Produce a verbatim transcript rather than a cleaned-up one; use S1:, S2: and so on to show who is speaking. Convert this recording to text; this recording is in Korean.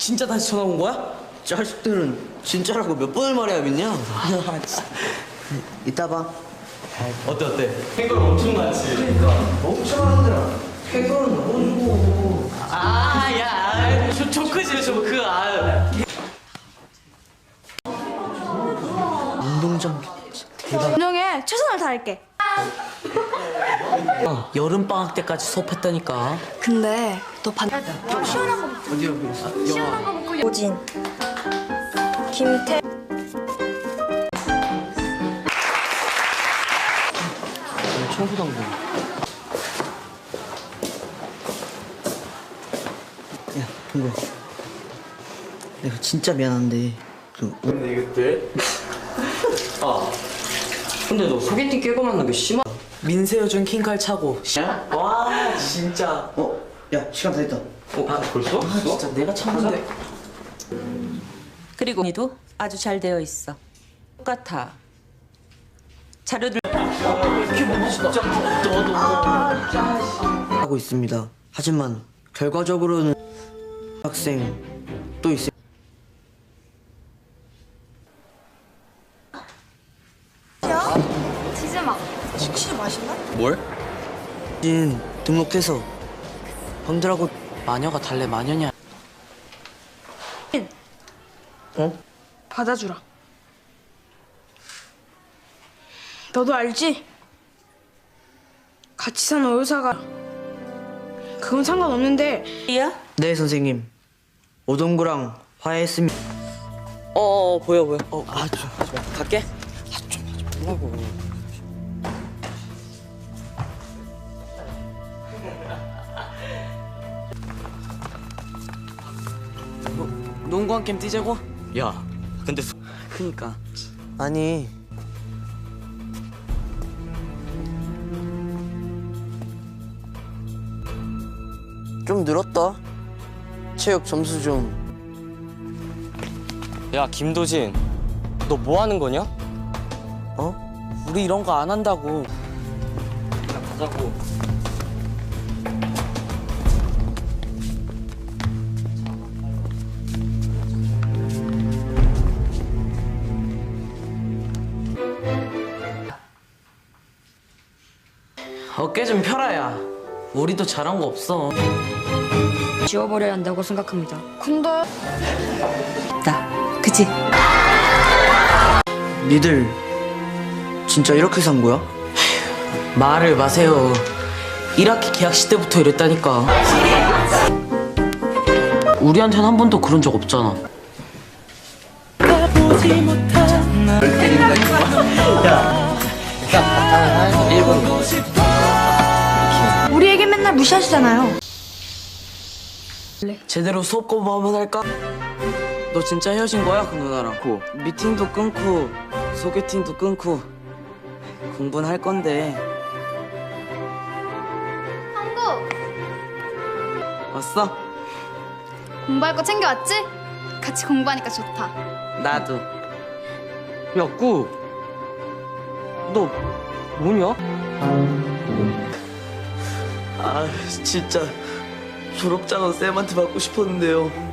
S1: 진짜 다시 전화 온 거야?
S2: 자식들은 진짜라고 몇 번을 말해야 믿냐? 이따 봐.
S1: 어때 어때? 캥거루 엄청 많지?
S2: 그러니까 엄청 하더라. 캥거루는 너무 주고.
S1: 아야 저 조크지 조크 아.
S2: 운동장 대박.
S3: 운영에 최선을 다할게.
S1: 어, 여름 방학 때까지 수업했다니까.
S3: 근데 너 반. 좀 시원한 거 먹자.
S2: 어디야 그랬어?
S3: 시원한 거 먹고. 오진. 김태.
S2: 청소당구. 야 동구야. 내가 진짜 미안한데 그
S1: 근데 이것들. 아. 근데 너 소개팅 깨고 만난 게 심하. 민세여준 킹칼 차고. 와 진짜.
S2: 어? 야 시간 다 됐다.
S1: 어 아, 벌써?
S2: 아 진짜 내가 참는데.
S4: 그리고 니도 아주 잘 되어 있어. 똑같아. 자료들
S2: 하고 있습니다. 하지만 결과적으로는 학생 또 있어.
S3: 치즈막. 치즈 맛있나?
S1: 뭘?
S2: 진 등록해서 형들하고
S1: 마녀가 달래 마녀냐?
S2: 어?
S3: 받아주라. 너도 알지? 같이 산 어유사가 그건 상관없는데
S4: 이야?
S2: 네 선생님. 오동구랑 화해했습니다.
S1: 어, 어 보여 보여. 어, 아, 좀 하지 마. 갈게. 아, 좀 하지 말라고. 뭐, 농구 한 게임 뛰자고? 야, 근데 소... 그니까.
S2: 아니 좀 늘었다. 체육 점수 좀.
S1: 야, 김도진, 너 뭐 하는 거냐?
S2: 어?
S1: 우리 이런 거 안 한다고. 그냥 가자고. 어깨 좀 펴라야. 우리도 잘한 거 없어.
S3: 지워버려야 한다고 생각합니다. 근데
S4: 나. 그치?
S2: 니들 진짜 이렇게 산 거야?
S1: 말을 마세요. 일 학기 개학식 때부터 이랬다니까. 우리한텐 한 번도 그런 적 없잖아.
S3: 우리에게 맨날 무시하시잖아요.
S1: 제대로 수업 공부 한번 할까? 너 진짜 헤어진 거야 그 누나랑? 고. 미팅도 끊고 소개팅도 끊고 공부는 할 건데.
S5: 한국
S1: 왔어?
S5: 공부할 거 챙겨왔지? 같이 공부하니까 좋다.
S1: 나도. 야, 꾸. 너 뭐냐? 아, 진짜 졸업장은 쌤한테 받고 싶었는데요.